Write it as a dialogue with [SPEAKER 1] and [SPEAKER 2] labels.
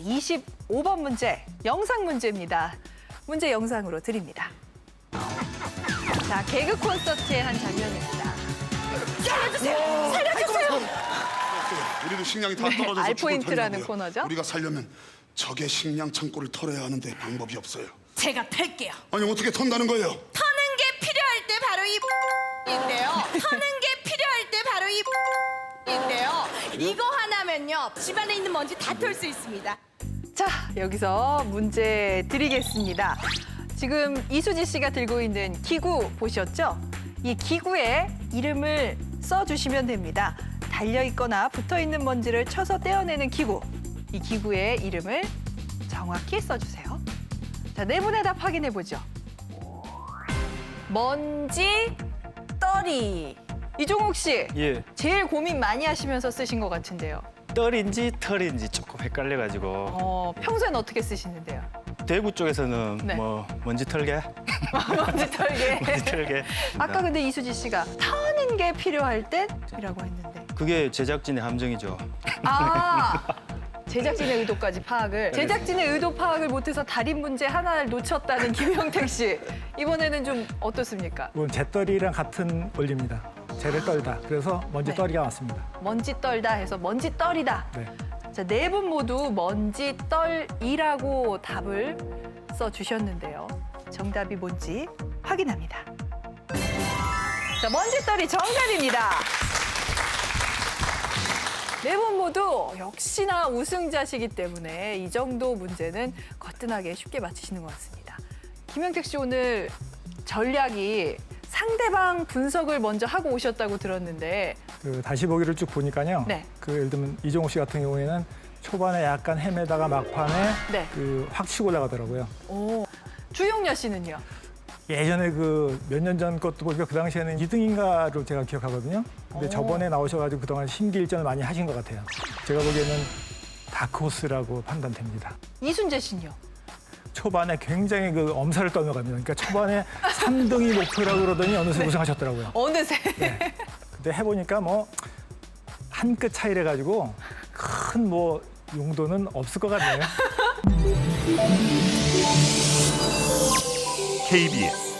[SPEAKER 1] 25번 문제, 영상 문제입니다. 문제 영상으로 드립니다. 자, 개그 콘서트의 한 장면입니다. 살려주세요! 살려주세요!
[SPEAKER 2] 우리도 식량이 다 떨어져서
[SPEAKER 1] 알포인트라는
[SPEAKER 2] 죽을 판이라고요.
[SPEAKER 1] 코너죠?
[SPEAKER 2] 우리가 살려면 적의 식량 창고를 털어야 하는데 방법이 없어요.
[SPEAKER 3] 제가 털게요.
[SPEAKER 2] 아니 어떻게 턴다는 거예요?
[SPEAKER 3] 터는 게 필요할 때 바로 인데요. 터는 게 필요할 때 바로 인데요. 이거 하나면요 집안에 있는 먼지 다 털 수 있습니다.
[SPEAKER 1] 자, 여기서 문제 드리겠습니다. 지금 이수지 씨가 들고 있는 기구 보셨죠? 이 기구에 이름을 써주시면 됩니다. 달려있거나 붙어있는 먼지를 쳐서 떼어내는 기구. 이 기구의 이름을 정확히 써주세요. 자, 네 분의 답 확인해보죠. 먼지, 떨이. 이종욱 씨,
[SPEAKER 4] 예,
[SPEAKER 1] 제일 고민 많이 하시면서 쓰신 것 같은데요.
[SPEAKER 4] 떨인지 털인지 조금 헷갈려가지고
[SPEAKER 1] 평소엔 어떻게 쓰시는데요?
[SPEAKER 4] 대구 쪽에서는
[SPEAKER 1] 네.
[SPEAKER 4] 뭐 먼지 털게,
[SPEAKER 1] 먼지 털게.
[SPEAKER 4] 먼지 털게.
[SPEAKER 1] 아까 근데 이수지 씨가 터는 게 필요할 땐이라고 했는데.
[SPEAKER 4] 그게 제작진의 함정이죠.
[SPEAKER 1] 아, 제작진의 의도까지 파악을. 제작진의 의도 파악을 못해서 달인 문제 하나를 놓쳤다는 김영택 씨. 이번에는 좀 어떻습니까?
[SPEAKER 5] 이건 재떨이랑 같은 원리입니다. 재를 떨다. 그래서 먼지
[SPEAKER 1] 네.
[SPEAKER 5] 떨이가 왔습니다.
[SPEAKER 1] 먼지 떨다 해서 먼지 떨이다.
[SPEAKER 5] 네.
[SPEAKER 1] 자, 네 분 모두 먼지 떨이라고 답을 써주셨는데요. 정답이 뭔지 확인합니다. 자, 먼지 떨이 정답입니다. 네 분 모두 역시나 우승자시기 때문에 이 정도 문제는 거뜬하게 쉽게 맞히시는 것 같습니다. 김영택 씨 오늘 전략이 상대방 분석을 먼저 하고 오셨다고 들었는데
[SPEAKER 5] 그 다시 보기를 쭉 보니까요.
[SPEAKER 1] 네.
[SPEAKER 5] 그 예를 들면 이종욱 씨 같은 경우에는 초반에 약간 헤매다가 막판에
[SPEAKER 1] 네.
[SPEAKER 5] 확 치고 올라가더라고요.
[SPEAKER 1] 오, 주용녀 씨는요?
[SPEAKER 5] 예전에 그 몇 년 전 것도 보니까 그 당시에는 2등인가로 제가 기억하거든요. 근데 저번에 나오셔가지고 그동안 심기일전을 많이 하신 것 같아요. 제가 보기에는 다크호스라고 판단됩니다.
[SPEAKER 1] 이순재 씨는요?
[SPEAKER 5] 초반에 굉장히 그 엄살을 떨어갑니다. 그러니까 초반에 3등이 목표라고 그러더니 어느새 우승하셨더라고요.
[SPEAKER 1] 어느새.
[SPEAKER 5] 네. 근데 해보니까 뭐 한 끗 차이래 가지고 큰 뭐 용도는 없을 것 같네요.
[SPEAKER 6] KBS